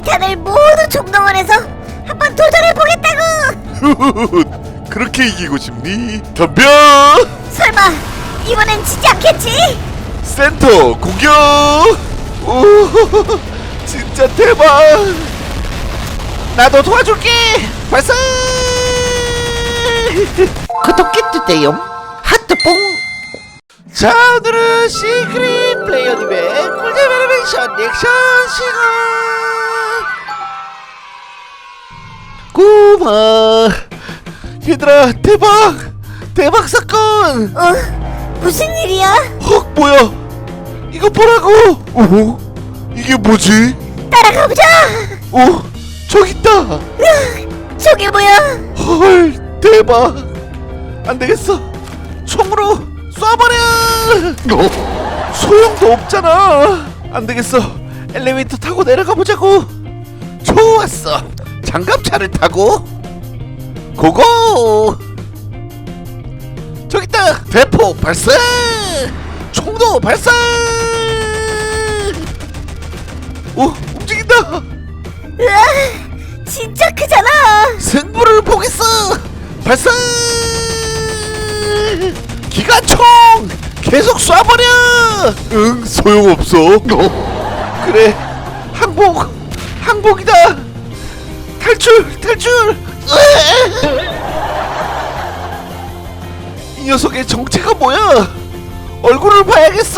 타이탄을 모두 총동원해서 한번 도전해보겠다고! 그렇게 이기고 싶니? 덤벼! 설마 이번엔 지지 않겠지? 센터 공격! 오, 진짜 대박! 나도 도와줄게. 발사. 구독해 주세요. 하트뽕. 자, 오늘은 시크릿 플레이어님의 꿀잼 애니메이션 리액션 시간. 고마. 얘들아, 대박 사건. 무슨 일이야? 헉, 뭐야? 이거 보라고! 오, 이게 뭐지? 따라가보자! 저기 있다! 저게 뭐야? 헐, 대박! 안 되겠어! 총으로 쏴버려! 소용도 없잖아! 안 되겠어! 엘리베이터 타고 내려가 보자고! 좋았어. 장갑차를 타고 고고. 저기 있다. 대포 발사. 총도 발사. 오, 움직인다! 으아, 진짜 크잖아! 승부를 보겠어. 발사. 기관총 계속 쏴버려. 응, 소용없어! 그래, 항복이다. 탈출. 이 녀석의 정체가 뭐야? 얼굴을 봐야겠어.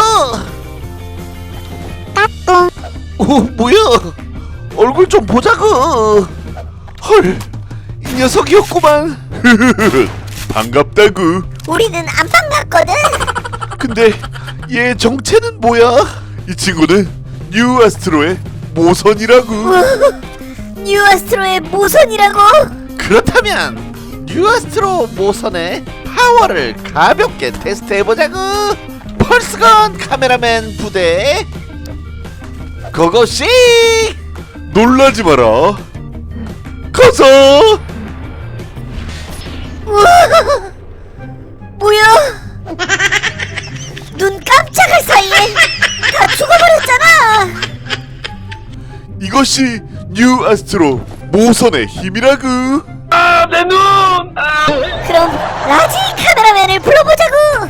오, 뭐야? 얼굴 좀 보자고. 헐, 이 녀석이었구만. 반갑다구! 우리는 안 반갑거든? 근데 얘 정체는 뭐야? 이 친구는 뉴 아스트로의 모선이라고! 뉴아스트로의 모선이라고? 그렇다면 뉴아스트로 모선의 파워를 가볍게 테스트해보자고. 펄스건 카메라맨 부대 고고씨. 놀라지 마라! 가자! 우와, 뭐야? 눈 깜짝할 사이에 다 죽어버렸잖아! 이것이 뉴 아스트로 모선의 힘이라고! 그럼 라지 카메라맨을 불러보자고!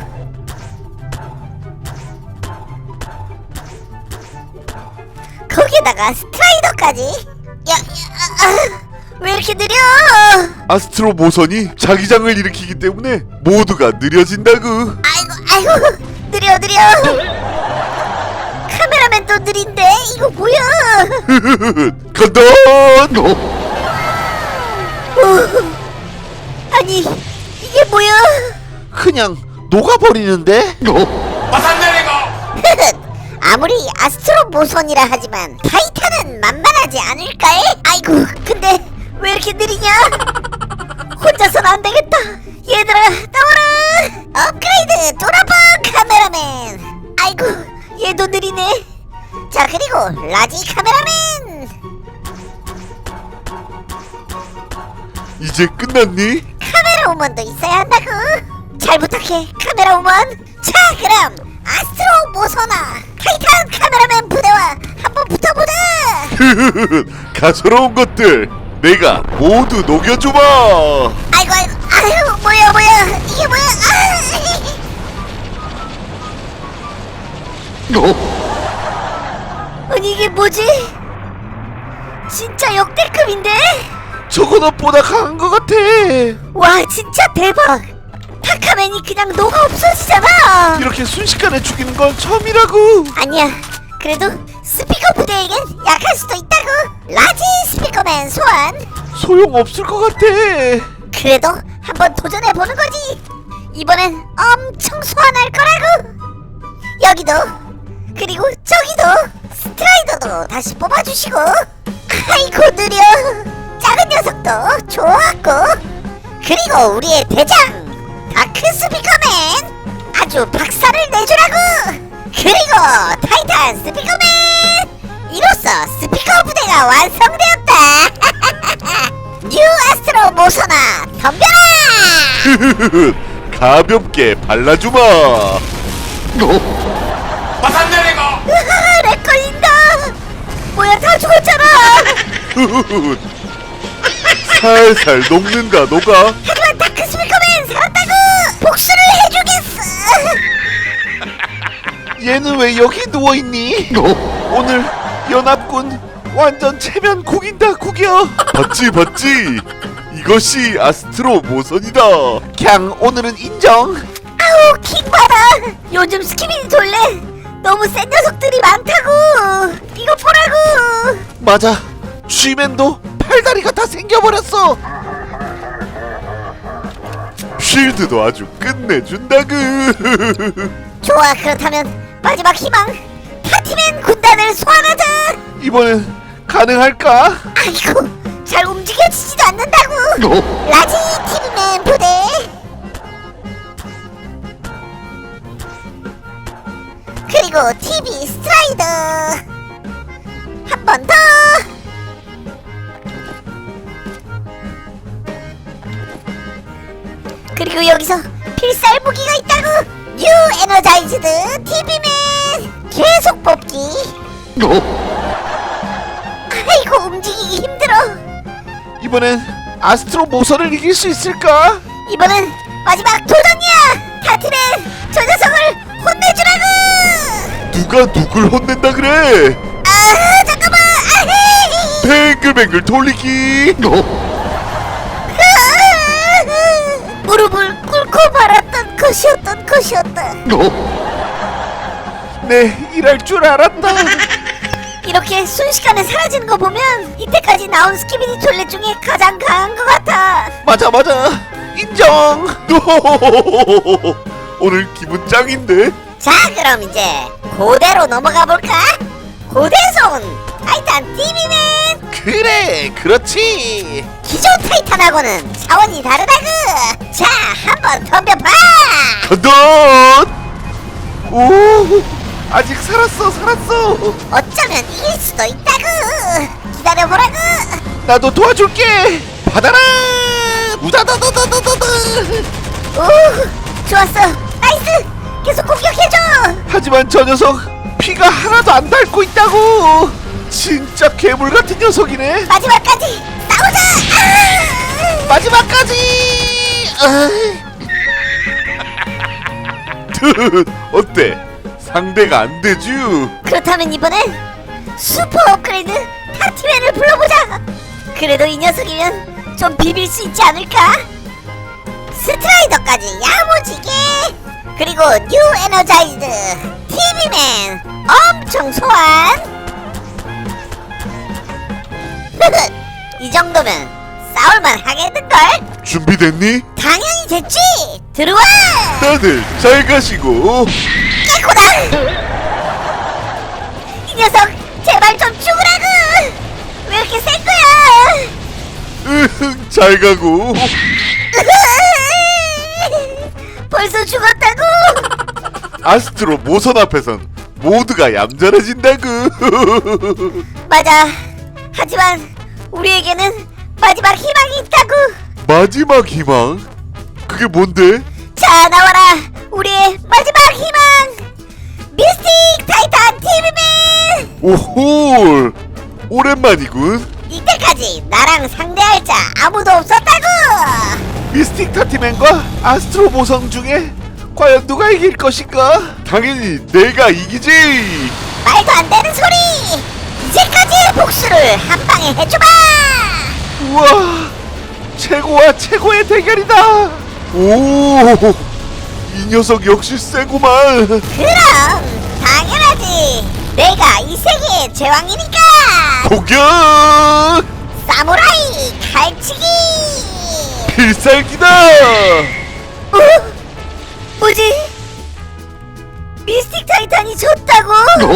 거기에다가 스트라이더까지? 왜 이렇게 느려? 아스트로 모선이 자기장을 일으키기 때문에 모두가 느려진다고! 아이고 느려 카메라맨도 느린데 이거 뭐야? 간다! 아니 이게 뭐야? 그냥 녹아버리는데? 아무리 아스트로 모선이라 하지만 타이탄은 만만하지 않을까? 아이고 근데 왜 이렇게 느리냐? 혼자선 안 되겠다. 얘들아 나와라. 업그레이드 도라버 카메라맨. 아이고 얘도 느리네. 자 그리고 라지 카메라맨. 이제 끝났니? 카메라 우먼도 있어야 한다고. 잘 부탁해 카메라 우먼. 자 그럼 아스트로 모선아 타이탄 카메라맨 부대와 한번 붙어보자. 가소로운 것들 내가 모두 녹여주마! 아이고 아유 뭐야 이게 뭐야? 아니 이게 뭐지? 진짜 역대급인데? 저거 너보다 강한 것 같아. 와 진짜 대박. 타카맨이 그냥 녹아 없어지잖아. 이렇게 순식간에 죽이는 건 처음이라고. 아니야 그래도 스피커 부대에겐 약할 수도 있다고. 라지 스피커맨 소환. 소용없을 것 같아. 그래도 한번 도전해보는 거지. 이번엔 엄청 소환할 거라고. 여기도 그리고 저기도 스트라이더도 다시 뽑아주시고. 아이고 느려. 작은 녀석도 좋았고. 그리고 우리의 대장 다크 스피커맨 아주 박살을 내주라고. 그리고 타이탄 스피커맨. 이로써 스피커 부대가 완성되었다. 뉴 아스트로 모선아 덤벼라. 가볍게 발라주마! 렉 걸린다. 뭐야 다 죽었잖아. 살살 녹는다 녹아. 하지만 다크 스피커맨 살았다고! 복수를 해주겠어! 얘는 왜 여기 누워있니? 오늘 연합군 완전 체면 구긴다 구겨. 봤지 이것이 아스트로 모선이다. 그냥 오늘은 인정. 아우 킹받아! 요즘 스키비디 돌래 너무 센 녀석들이 많다고! 이거 보라고! 맞아, 쥐맨도 팔다리가 다 생겨버렸어. 쉴드도 아주 끝내준다그. 좋아, 그렇다면 마지막 희망! 파티맨 군단을 소환하자! 이번엔 가능할까? 아이고, 잘 움직여지지도 않는다고! 라지 TV맨 부대! 그리고 TV 스트라이더! 한 번 더! 그리고 여기서 필살 무기가 있다고! 뉴 에너자이즈드 TV맨! 계속 뽑기! 아이고, 움직이기 힘들어! 이번엔 아스트로 모선을 이길 수 있을까? 이번엔 마지막 도전이야! 타티맨! 저 녀석을 혼내주라고! 누가 누굴 혼낸다 그래? 아, 잠깐만! 아헤이! 뱅글뱅글 돌리기. 아, 무릎을 꿇고 말았던 것이었다. 네, 일할 줄 알았다. 이렇게 순식간에 사라지는 거 보면 이때까지 나온 스키비디 톨렛 중에 가장 강한 것 같아. 맞아, 인정. 오늘 기분 짱인데? 자, 그럼 이제 고대로 넘어가 볼까? 고대에서 온 타이탄 TV맨! 그래, 그렇지. 기존 타이탄하고는 차원이 다르다구! 자, 한번 덤벼봐! 간다. 오, 아직 살았어. 어쩌면 이길 수도 있다구! 기다려보라구! 나도 도와줄게. 받아라. 우다다다다다다. 오, 좋았어! 나이스! 계속 공격해줘! 하지만 저 녀석 피가 하나도 안 닳고 있다고. 진짜 괴물 같은 녀석이네. 마지막까지 싸우자! 아! 마지막까지. 어때? 상대가 안 되쥬? 그렇다면 이번엔 슈퍼 업그레이드 타티맨을 불러보자! 그래도 이 녀석이면 좀 비빌 수 있지 않을까? 스트라이더까지 야무지게! 그리고 뉴 에너자이즈드 TV맨 엄청 소환! 이 정도면 싸울만 하겠는걸? 준비됐니? 당연히 됐지! 들어와! 다들 잘 가시고. 깨꼬다! 이 녀석 제발 좀 죽으라고! 왜 이렇게 센 거야? 잘 가고. 벌써 죽었다고? 아스트로 모선 앞에선 모두가 얌전해진다구. 맞아. 하지만 우리에게는 마지막 희망이 있다고. 마지막 희망? 그게 뭔데? 자, 나와라. 우리의 마지막 희망. 미스틱 타이탄 TV맨. 오호, 오랜만이군. 이때까지 나랑 상대할 자 아무도 없었다고. 미스틱 타티맨과 아스트로 모성 중에 과연 누가 이길 것인가? 당연히 내가 이기지. 말도 안 되는 소리. 이제까지의 복수를 한 방에 해줘봐. 우와, 최고와 최고의 대결이다. 오, 이 녀석 역시 세구만. 그럼 당연하지. 내가 이 세계의 제왕이니까. 공격! 사무라이 칼치기. 필살기다. 뭐지? 미스틱 타이탄이 졌다고?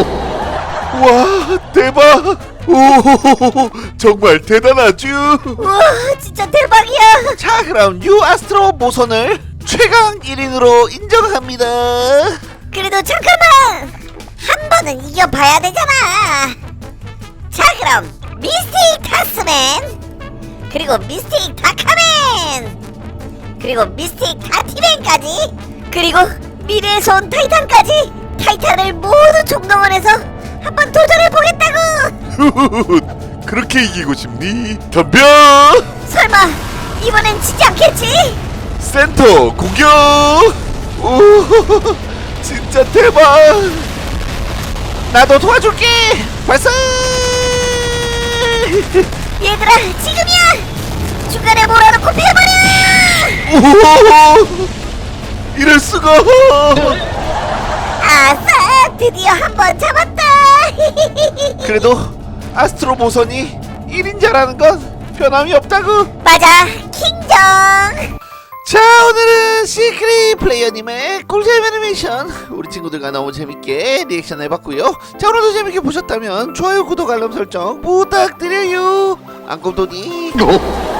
와, 대박. 오, 정말 대단하죠. 우와, 진짜 대박이야. 자, 그럼 뉴 아스트로 모선을 최강 1인으로 인정합니다. 그래도 잠깐만, 한 번은 이겨봐야 되잖아. 자, 그럼 미스틱 타스맨, 그리고 미스틱 다카맨, 그리고 미스틱 다티맨까지, 그리고 미래에서 온 타이탄까지 타이탄을 모두 총동원해서 한번 도전해보겠다고. 그렇게 이기고 싶니? 덤벼! 설마 이번엔 지지 않겠지? 센터 공격! 오, 진짜 대박. 나도 도와줄게. 발사. 얘들아 지금이야! 중간에 몰아놓고 패버려! 오, 이럴 수가. 아싸! 드디어 한 번 잡았다! 그래도 아스트로 모선이 1인자라는 건 변함이 없다고. 맞아! 킹정! 자, 오늘은 시크릿 플레이어님의 꿀잼 애니메이션 우리 친구들과 너무 재밌게 리액션 해봤고요. 자, 오늘도 재밌게 보셨다면 좋아요, 구독, 알람 설정 부탁드려요. 안꿈돈이